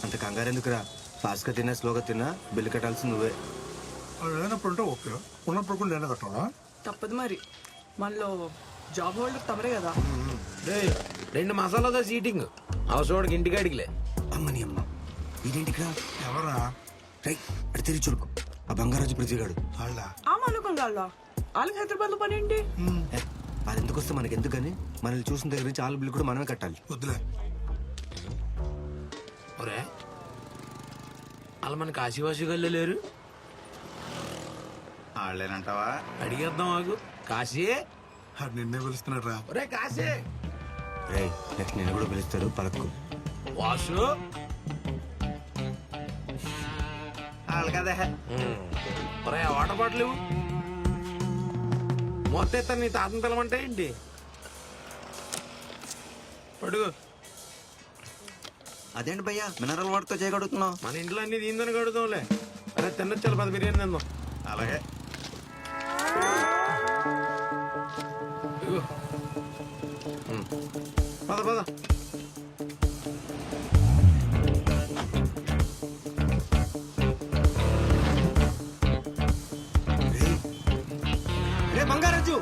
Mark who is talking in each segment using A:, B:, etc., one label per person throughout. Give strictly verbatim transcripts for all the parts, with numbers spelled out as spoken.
A: అంత కంగారు ఎందుకురా? ఫాస్ట్గా తిన్నా స్లోగా తిన్నా బిల్లు కట్టాల్సి నువ్వే.
B: అది లేనప్పుడు అంటే ఓకే, ఉన్నప్పుడు కూడా నేనే కట్టాలా?
C: తప్పదు మరి, మనలో జాబ్ హోల్డర్ తమరే కదా.
D: రేయ్, రెండు మసాలాతో సీటింగ్ అవసరం ఇంటికి అడిగిలే.
A: అమ్మని అమ్మ ఇదేంటికిరా?
B: ఎవరా?
A: రై అడి తిరిగి చూడుకో, ఆ బంగారాజు ప్రతిగాడు.
B: వాళ్ళ
C: ఆ మానుకం కాళ్ళ వాళ్ళకి హైదరాబాద్ లో పని ఏంటి?
A: అది ఎందుకు వస్తే మనకి ఎందుకు కానీ మనల్ని చూసిన దగ్గర నుంచి ఆలు బిల్లు కూడా మనమే కట్టాలి.
B: వద్దులే.
D: ఒరే, వాళ్ళు మన కాశీవాసిగల్లో లేరు?
E: వాళ్ళేనంటావా?
D: అడిగేద్దాం ఆగు. కాశీ,
B: అది నిన్నే పిలుస్తున్నాడు రా.
D: ఒరే కాశీ.
A: రే నెక్స్ట్ నేను కూడా పిలుస్తాడు, పలక్కు.
D: వాసు.
E: వాళ్ళు కదా.
D: ఒరే వాటర్ బాటిల్ ఇవ్వు. మొత్తం ఇస్తాను, నీ తాతను పిలవంటే ఏంటి? పడుగు.
E: అదేంటి భయ్యా మినరల్ వాటర్తో చేయగలుగుతున్నావు?
D: మన ఇంట్లో అన్ని దీంతో కడుగుతాంలే. అరే తిన్నొచ్చాలి, పది బిర్యానీ తిందాం.
E: అలాగే.
D: ఇదిగో. ఉమ్. పద పద.
A: రే బంగారాజు,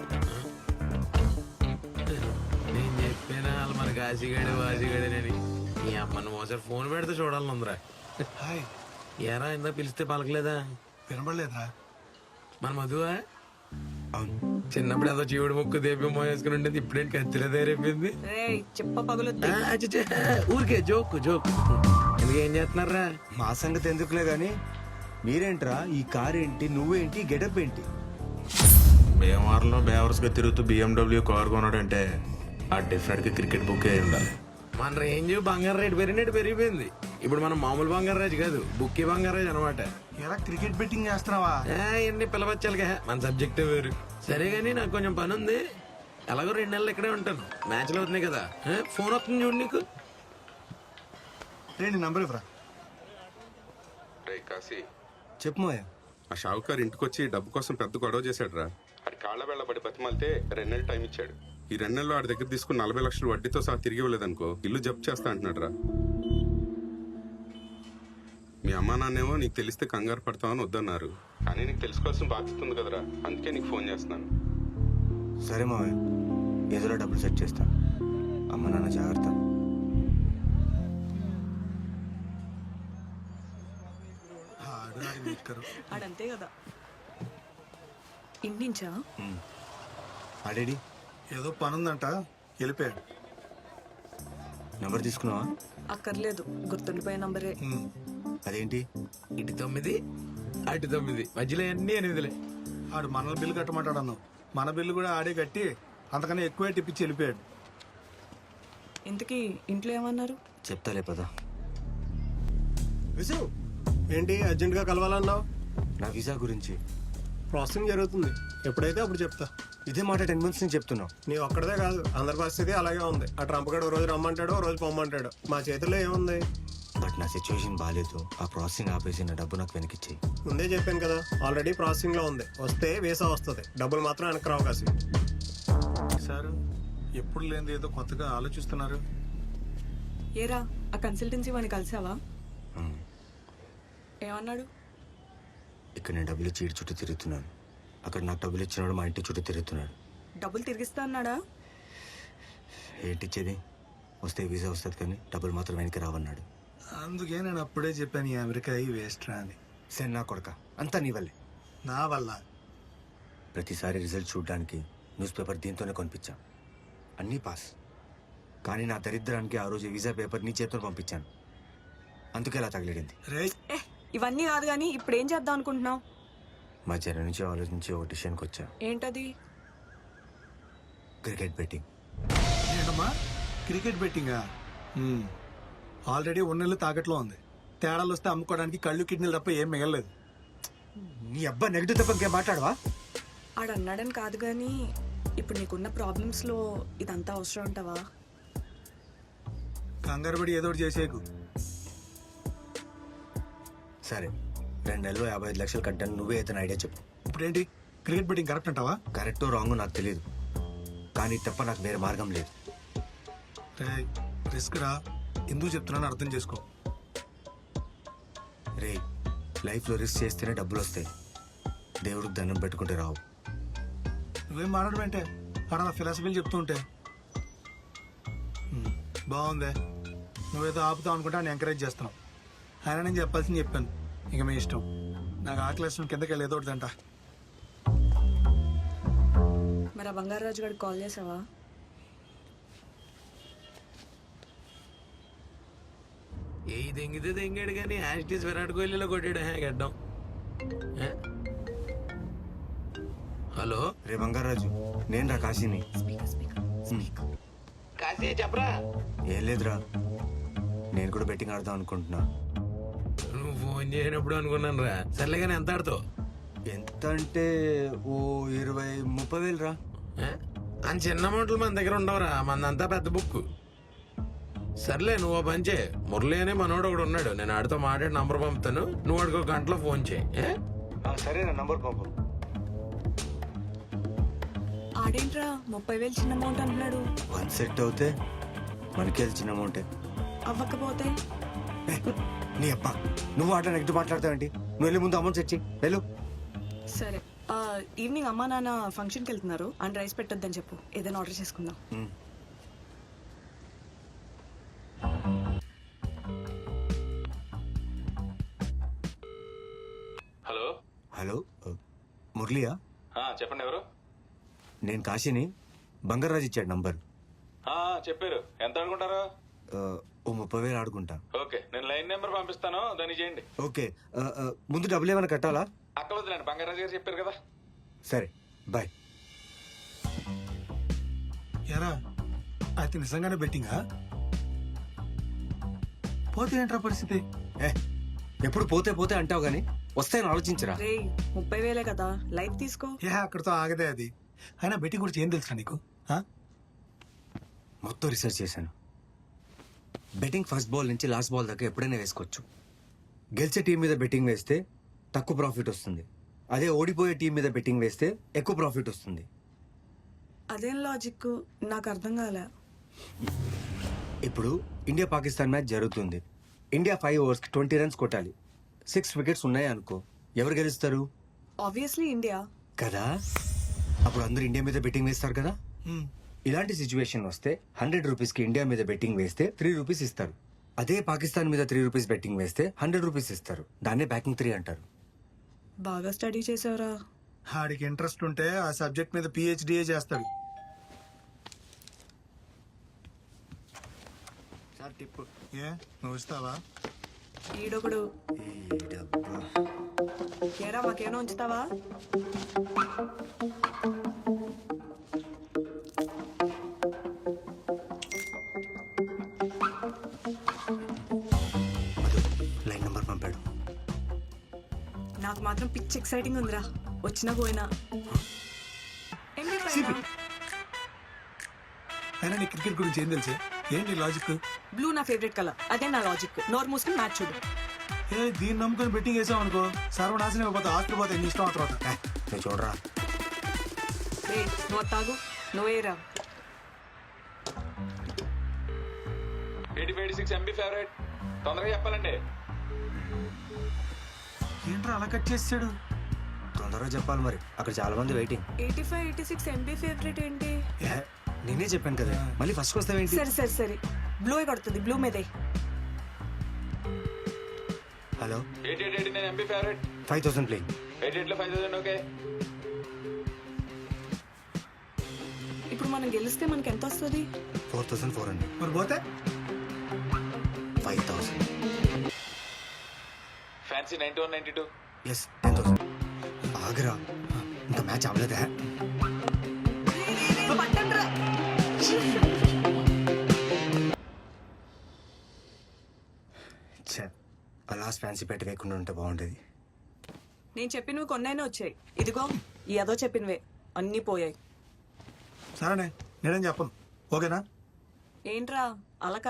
D: నేను చెప్పినా వాళ్ళు మన కాశీగాడు వాసిగాడేనని. ఈ అమ్మని మోసారి ఫోన్ పెడితే చూడాలనుందిరా.
B: హాయ్.
D: ఏరా ఇందా పిలిస్తే పలకలేదా?
B: వినబడలేదురా.
D: మన మధువా?
A: అవును.
D: చిన్నప్పుడు ఏదో జీవుడు ముక్కు దేపి మోసుకుని ఉండేది, ఇప్పుడేంటి కత్తిలో తయారైపోయింది.
C: రే చెప్ప పగులుద్ది.
D: ఆ, ఛీ, ఛీ, ఊరికే జోక్ జోక్. ఎందుకు ఏం చేస్తున్నారా?
A: మా సంగతి ఎందుకులే గాని మీరేంట్రా, ఈ కార్ ఏంటి, నువ్వేంటి, గెటప్ ఏంటి?
F: భీమవరంలో బేవర్స్గా తిరుగుతూ బిఎండబ్ల్యూ కార్ కొన్నాడంటే ఆ డెఫినెట్గా క్రికెట్ బుక్ అయి ఉండాలి.
D: మన రేంజ్ బంగారు రేటు పెరిగినట్టు పెరిగిపోయింది. ఇప్పుడు మనం మామూలు బంగారు రాజు కాదు, బుక్కి బంగారు రాజు అనమాట.
B: ఎలా క్రికెట్ బెట్టింగ్ చేస్తున్నావా?
D: ఎన్ని పిలవచ్చాలిగా, మన సబ్జెక్టే వేరు. సరే గానీ నాకు కొంచెం పని ఉంది, ఎలాగో రెండు నెలలు ఇక్కడే ఉంటాను. మ్యాచ్లు అవుతున్నాయి కదా. ఏ, ఫోన్ వస్తుంది చూడు నీకు.
B: రే నీ నంబర్ ఇవ్వరా.
F: రే కాశీ,
A: చెప్పు మోయ.
F: ఆ షావుకారు ఇంటికొచ్చి డబ్బు కోసం పెద్ద గొడవ చేశాడు రా. అది కాళ్ళ వెళ్ళబడి బతిమాలితే రెండు నెలలు టైం ఇచ్చాడు. ఈ రెండు నెలలు ఆడి దగ్గర తీసుకుని నలభై లక్షలు వడ్డీతో సహా తిరిగి ఇవ్వలేదనుకో ఇల్లు జప్తు చేస్తా అంటున్నాడు రా. మీ అమ్మా నాన్నేమో నీకు తెలిస్తే కంగారు పడతామని వద్దన్నారు, కానీ నీకు తెలుసుకోవాల్సిన బాధ్యత ఉంది కదరా, అందుకే నీకు ఫోన్ చేస్తున్నాను.
A: సరే మావయ్య, ఏదోలా డబ్బులు సెట్ చేస్తా. అమ్మ నాన్న జాగ్రత్త.
B: ఆడు ఆడి మీట్కరు.
C: ఆడంతే కదా. ఇంటించా
A: ఆడేడి?
B: ఏదో పని ఉందంట, వెళ్ళిపోయాడు.
A: నెంబర్ తీసుకున్నావా?
C: అక్కర్లేదు, గుర్తుండిపోయే నంబరే.
B: ఉమ్.
A: అదేంటి?
D: ఇటు తొమ్మిది అటు తొమ్మిది, మధ్యలో అన్ని ఎనిమిదిలే.
B: ఆడు మన బిల్లు కట్టమంటాడు అన్నావు. మన బిల్లు కూడా ఆడే కట్టి అంతకన్నా ఎక్కువే టిప్పించి వెళ్ళిపోయాడు.
C: ఇంతకీ ఇంట్లో ఏమన్నారు?
A: చెప్తాలే పదా.
G: విసు, ఏంటి అర్జెంటుగా కలవాలన్నావు?
A: నా వీసా గురించి
G: ప్రాసెసింగ్ జరుగుతుంది, ఎప్పుడైతే అప్పుడు చెప్తా.
A: ఇదే మాట టెన్ మంత్స్ నుంచి చెప్తున్నావు.
G: నీ ఒక్కడదే కాదు, అందరి పరిస్థితి అలాగే ఉంది. ఆ ట్రంప్ గడు ఓ రోజు రమ్మంటాడు, ఓ రోజు పొమ్మంటాడు. మా చేతుల్లో ఏముంది?
A: బట్ నా సిచ్యువేషన్ బాగాలేదు. ఆ ప్రాసెసింగ్ ఆపేసి నా డబ్బు నాకు వెనకిచ్చేయి.
G: ముందే చెప్పాను కదా, ఆల్రెడీ ప్రాసెసింగ్ లో ఉంది. వస్తే వీసా వస్తుంది, డబ్బులు మాత్రం వెనక్కి రావు. కాసి
B: సార్ ఎప్పుడు లేనిది ఏదో కొత్తగా ఆలోచిస్తున్నారు.
C: ఏరా, ఆ కన్సల్టెన్సీ వాడిని కలిసావా?
A: ఉమ్.
C: ఏమన్నాడు?
A: ఇక్కడ నేను డబ్బులు ఇచ్చి ఇటు చుట్టూ తిరుగుతున్నాను, అక్కడ నాకు డబ్బులు ఇచ్చినాడు మా ఇంటి చుట్టూ తిరుగుతున్నాడు.
C: డబ్బులు తిరిగిస్తా అన్నాడా?
A: ఏంటి ఇచ్చేది? వస్తే వీసా వస్తుంది కానీ డబ్బులు మాత్రం వెనక్కి రావన్నాడు.
B: అందుకే నేను అప్పుడే చెప్పాను ఈ అమెరికా ఈ వేస్ట్ రా అని.
A: సరే నా కొడక, అంతా నీ వల్లే.
B: నా వల్ల
A: ప్రతిసారి రిజల్ట్ చూడడానికి న్యూస్ పేపర్ దీంతోనే కొనిపించా, అన్నీ పాస్. కానీ నా దరిద్రానికి ఆ రోజు వీసా పేపర్ నీ చేతితో పంపించాను, అందుకే ఇలా తగిలిడింది.
B: రే
C: ఏ ఇవన్నీ కాదు కానీ ఇప్పుడు ఏం చేద్దాం అనుకుంటున్నావు?
A: మధ్యాహ్నం నుంచి ఆలోచించి ఒక డిసిషన్కి వచ్చా.
C: ఏంటది?
A: Cricket betting.
B: ఏంటమ్మా క్రికెట్ బెట్టింగా? ఆల్రెడీ ఉన్నెళ్ళు తాకట్లో ఉంది. తేడాలు వస్తే అమ్ముకోవడానికి కళ్ళు కిడ్నీలు తప్ప ఏం మిగలలేదు.
A: నీ అబ్బా నెగిటివ్ తప్ప ఇంకేం మాట్లాడవా?
C: ఆడు అన్నాడని కాదు కానీ ఇప్పుడు నీకున్న ప్రాబ్లమ్స్ లో ఇదంతా అవసరం అంటావా?
B: కంగారు పడి ఏదో ఒకటి చేసేకు.
A: సరే, రెండు నెలలు యాభై ఐదు లక్షలు కట్టాను, నువ్వే అయితే ఐడియా చెప్పు.
B: ఇప్పుడేంటి క్రికెట్ బెట్టింగ్ కరెక్ట్ అంటావా?
A: కరెక్టో రాంగో నాకు తెలియదు, కానీ తప్ప నాకు వేరే మార్గం లేదు.
B: రే రిస్క్ రా, ఎందుకు చెప్తున్నాను అర్థం చేసుకో.
A: రే లైఫ్లో రిస్క్ చేస్తేనే డబ్బులు వస్తాయి, దేవుడికి దండం పెట్టుకుంటే రావు.
B: నువ్వేం మాట్లాడమంటే అక్కడ ఫిలాసఫీలు చెప్తూ ఉంటే హ్మ్, బాగుందే. నువ్వేదో ఆపుతావు అనుకుంటే నేను ఎంకరేజ్ చేస్తున్నావు. ఆయన నేను చెప్పాల్సింది చెప్పాను, ఇక మీ ఇష్టం. నాకు ఆకలి కిందకి వెళ్ళి ఏదో ఒకటి తింటా.
C: మరి ఆ బంగారాజు గారికి కాల్ చేసావా?
D: ఏ దెంగితే దెంగాడు కానీ యాస్టీస్ విరాట్ కోహ్లీలో కొట్టాడు హే గడ్డం. ఏ? హలో
A: రే బంగారాజు, నేను రా కాశీని.
D: కాశీ చెప్పరా.
A: ఏం లేదురా, నేను కూడా బెట్టింగ్ ఆడదాం అనుకుంటున్నా.
D: నువ్వు ఫోన్ చేయనప్పుడు అనుకున్నాను రా. సర్లే కానీ ఎంత ఆడుతావు?
A: ఎంత అంటే ఓ ఇరవై ముప్పై వేలు రా.
D: ఏ? అని చిన్న అమౌంట్లు మన దగ్గర ఉండవురా, మందంతా పెద్ద బుక్. సర్లే నువ్వు ఓ పని చేయి, మురళి అనే మనోడు ఒకడు ఉన్నాడు, నేను ఆడితో మాట్లాడి నంబర్ పంపుతాను, నువ్వు వాడికి ఒక గంటలో ఫోన్ చేయి. ఏ?
A: సరే నా నంబర్ పంపు.
C: ఆడేంట్రా ముప్పై వేలు చిన్న అమౌంట్ అంటున్నాడు.
A: వన్ సెట్ అవుతే మనకి అది చిన్న అమౌంటే.
C: అవ్వకపోతే
A: ఏ, నీ అబ్బా నువ్వు ఆట నెక్స్ట్ మాట్లాడతావేంటి? నువ్వు వెళ్ళి ముందు అమౌంట్ తెచ్చి వెళ్ళు.
C: సరే ఆ, ఈవినింగ్ అమ్మా నాన్న ఫంక్షన్కి వెళ్తున్నారు అండ్ రైస్ పెట్టొద్దని చెప్పు, ఏదైనా ఆర్డర్ చేసుకుందాం.
A: ఉమ్.
H: హలో
A: హలో మురళియా?
H: ఆ, చెప్పండి ఎవరు?
A: నేను కాశీని. బంగారాజు ఇచ్చాడు నంబర్.
H: ఆ, చెప్పారు. ఎంత అనుకుంటారు?
A: ఆ, ఓ ముప్పై వేలు ఆడుకుంటా.
H: ఓకే, నేను లైన్ నెంబర్ పంపిస్తాను, దాన్ని చేయండి.
A: ఓకే ఆ, ఆ, ముందు డబ్బులు ఏమైనా కట్టాలా?
H: అక్కవద్దులేండి, బంగారాజు గారు చెప్పారు కదా.
A: సరే బాయ్.
B: ఎరా అయితే నిజంగానే బెట్టింగా? పోతే ఏంట్రా పరిస్థితి?
A: ఏ ఎప్పుడు పోతే పోతే అంటావు గానీ వస్తాయని ఆలోచించరా.
C: రే ముప్పై వేలే కదా, లైట్ తీసుకో.
B: ఏ అక్కడితో ఆగదే అది. అయినా బెట్టింగ్ గురించి ఏం తెలుసా నీకు? ఆ?
A: మొత్తం రీసెర్చ్ చేశాను. బెట్టింగ్ ఫస్ట్ బాల్ నుంచి లాస్ట్ బాల్ దాకా ఎప్పుడైనా వేసుకోవచ్చు. గెలిచే టీం మీద బెట్టింగ్ వేస్తే తక్కువ ప్రాఫిట్ వస్తుంది, అదే ఓడిపోయే టీం మీద బెట్టింగ్ వేస్తే ఎక్కువ ప్రాఫిట్ వస్తుంది.
C: అదేం లాజిక్ నాకు అర్థం కాలే.
A: ఇప్పుడు ఇండియా పాకిస్తాన్ మ్యాచ్ జరుగుతుంది. ఇండియా ఫైవ్ ఓవర్స్కి ట్వంటీ రన్స్ కొట్టాలి. సిక్స్ వికెట్స్ ఉన్నాయి అనుకో, ఎవరు గెలుస్తారు?
C: ఆబ్వియస్లీ ఇండియా
A: కదా. అప్పుడు అందరూ ఇండియా మీద బెట్టింగ్ వేస్తారు కదా.
B: హ్మ్.
A: ఇలాంటి సిచ్యువేషన్ వస్తే హండ్రెడ్ రూపీస్కి ఇండియా మీద బెట్టింగ్ వేస్తే త్రీ రూపీస్ ఇస్తారు. అదే పాకిస్తాన్ మీద త్రీ రూపీస్ బెట్టింగ్ వేస్తే హండ్రెడ్ రూపీస్ ఇస్తారు. దాన్నే బ్యాకింగ్ త్రీ అంటారు.
C: బాగా స్టడీ చేసావురా.
B: ఆడికి ఇంట్రెస్ట్ ఉంటే ఆ సబ్జెక్ట్ మీద పిహెచ్డిఏ చేస్తాడు.
A: Sir tip.
B: ఏ నువ్వు ఇస్తావా?
C: ఈడొకడు. ఏరా మాకేమో ఉంచుతావా?
A: లైన్ నంబర్ పంపాడు.
C: నాకు మాత్రం పిచ్ ఎక్సైటింగ్ ఉందిరా, వచ్చినా పోయినా. ఏంటి పైన?
B: అయినా నీ క్రికెట్ గురించి ఏం తెలుసు? ఏంటి లాజిక్?
C: బ్లూ నా ఫేవరెట్ కలర్, అదే నా లాజిక్. నోర్ మూసుకుని మ్యాచ్ చూడు.
B: ఏ దీన్ని నమ్ముకొని బెట్టింగ్ వేసావు అనుకో, సర్వనాశనం అయిపోతా. ఆస్తి పోతే ఎన్ని ఇష్టం ఆ తర్వాత.
A: ఏ, నువ్వు చూడరా.
C: రే నువ్వు తాగు, నువ్వేరా.
H: Eighty five six MB favourite, తొందరగా చెప్పాలండి.
B: ఏంట్రా అలా కట్ చేసాడు?
A: తొందరగా చెప్పాలి మరి, అక్కడ చాలా మంది waiting.
C: Eighty five eighty six MB favourite ఏంటి?
A: ఏ, నేనే చెప్పాను కదా, మళ్ళీ ఫస్ట్ వస్తావేంటి?
C: సరే సరే సరే, బ్లూ కొడుతుంది, బ్లూ మీదే.
A: Hello,
H: eight eight eighty nine MB favourite,
A: five thousand play.
H: Eight eight లో ఫైవ్ థౌసండ్. ఓకే,
C: ఇప్పుడు మనం గెలిస్తే మనకి ఎంత వస్తుంది?
A: Four thousand four hundred.
B: మరి పోతే
A: five thousand.
H: Fancy ninety one ninety two.
A: Yes, ten thousand. ఆగరా, ఇంకా మ్యాచ్ అవ్వలేదా? ఛే, ఆ లాస్ట్ ఫ్యాన్సీ పెట్టి వేయకుండా ఉంటే బాగుండేది.
C: నేను చెప్పినవి కొన్నైనా వచ్చాయి, ఇదిగో ఈ అదో చెప్పినవే అన్నీ పోయాయి.
B: సరేనే, నేనేం చెప్పను. ఓకేనా?
C: ఏంట్రా అలకా?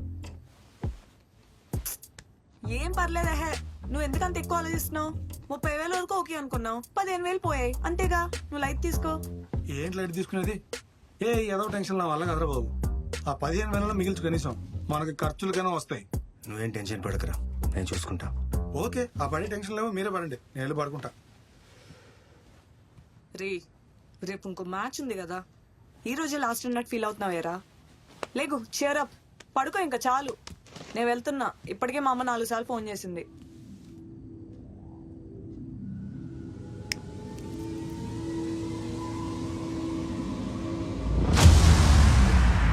C: ఏం పర్లేదహే, నువ్వు ఎందుకంత ఎక్కువ ఆలోచిస్తున్నావు? ముప్పై వేల వరకు ఓకే అనుకున్నావు, పదిహేను వేలు పోయాయి అంతేగా, నువ్వు లైట్ తీసుకో.
B: ఏంటి లైట్ తీసుకునేది? ఏ ఏదో టెన్షన్ నా వల్ల కదరా బాబు. ఆ పదిహేను వేలలో మిగిల్చు కనీసం మనకి ఖర్చులకైనా వస్తాయి.
A: నువ్వేం టెన్షన్ పడకరా, నేను చూసుకుంటా.
B: ఓకే ఆ పని టెన్షన్ లేవు, మీరే పడండి, నేను వెళ్ళి పడుకుంటా.
C: రే రేపు ఇంకో మ్యాచ్ ఉంది కదా, ఈ రోజే లాస్ట్ అన్నట్టు ఫీల్ అవుతున్నావేరా? లేగు, cheer up, పడుకో ఇంకా చాలు. నేను వెళ్తున్నా, ఇప్పటికే మా అమ్మ నాలుగు సార్లు ఫోన్ చేసింది.